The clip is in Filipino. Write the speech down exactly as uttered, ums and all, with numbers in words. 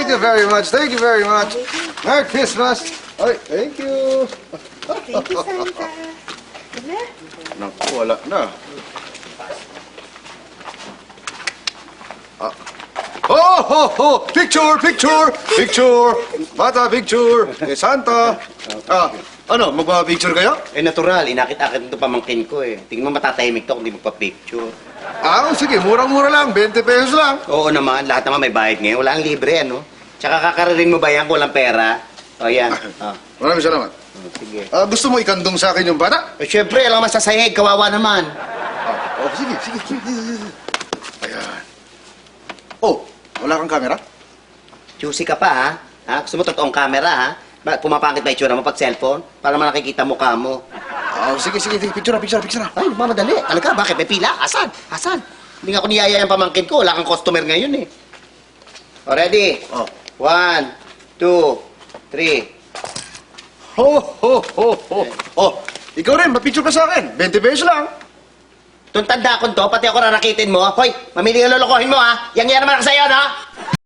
Thank you very much. Thank you very much. Merry Christmas. Ay, thank you. Thank you, Santa. Wala? Naku, wala na. Ah. Oh, ho, ho! Picture, picture, picture! Bata, picture! Eh, Santa! Ah, ano, magpa-picture kayo? Eh, natural. Inakit-akit ito pamangkin ko eh. Tingnan mo matatahimik to kung di magpa-picture. Ah, sige, murang-mura lang. twenty pesos lang. Oo naman. Lahat naman may bayad ngayon. Wala ang libre, ano? Tsaka kakararin mo ba yan kung walang pera? O, yan. Ah. Maraming salamat. Oh, sige. Ah, gusto mo ikandong sa akin yung bata? Eh, syempre, alam naman sa sahig. Kawawa naman. Ah, oh, sige, sige, sige. Ayan. Oh, wala kang camera? Juicy ka pa, ha? Ha? Gusto mo totoong camera, ha? Ba, pumapangit ba itsura mo pag cellphone? Para naman nakikita mukha mo. Ah, sige, sige, sige. Picture na, picture na, picture na. Ay, mamadali. Talaga, bakit? May pila? Asan? Asan? Hindi nga ako niyaya yung pamangkin ko. Wala kang customer ngayon, eh. O, ready? Oh. One, two, three. Ho, ho, ho, ho. Oh, ikaw rin, mapicture ka sa akin. twenty pesos lang. Itong tanda ko to, pati ako rarakitin mo. Hoy, mamili ka lolokohin mo, ha? Yang yan naman ako sa'yo, no?